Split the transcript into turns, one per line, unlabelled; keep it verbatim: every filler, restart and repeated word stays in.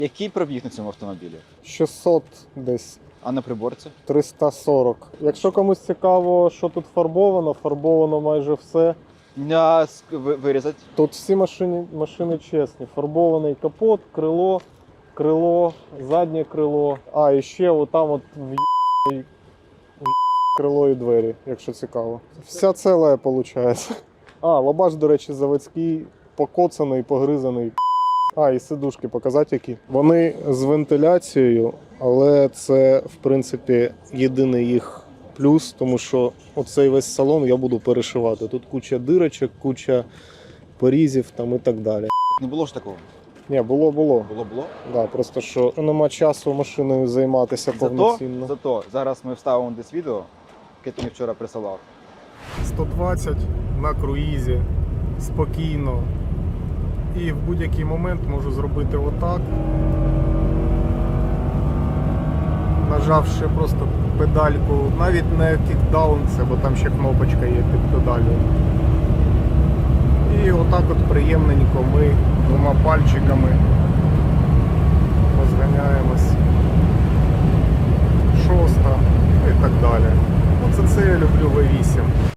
Який пробіг на цьому автомобілі?
шістсот десь.
А на приборці?
триста сорок. Якщо комусь цікаво, що тут фарбовано, фарбовано майже все.
А, вирізати?
Тут всі машини, машини чесні. Фарбований капот, крило, крило, заднє крило. А, і ще отам от в крило і двері, якщо цікаво. Вся ціла, виходить. А, лабаш, до речі, заводський, покоцаний, погризаний. А, і сидушки показати які. Вони з вентиляцією, але це, в принципі, єдиний їх плюс, тому що оцей весь салон я буду перешивати. Тут куча дирочок, куча порізів там і так далі.
Не було ж такого?
Ні, було, було.
Було, було?
Да, просто що нема часу машиною займатися
Зато,
повноцінно.
зато зараз ми вставимо десь відео, яке ти мені вчора присилав.
сто двадцять на круїзі, спокійно. І в будь-який момент можу зробити отак. Нажавши просто педальку, навіть не кікдаун це, бо там ще кнопочка є під педалю. І отак от приємненько ми двома пальчиками розганяємось.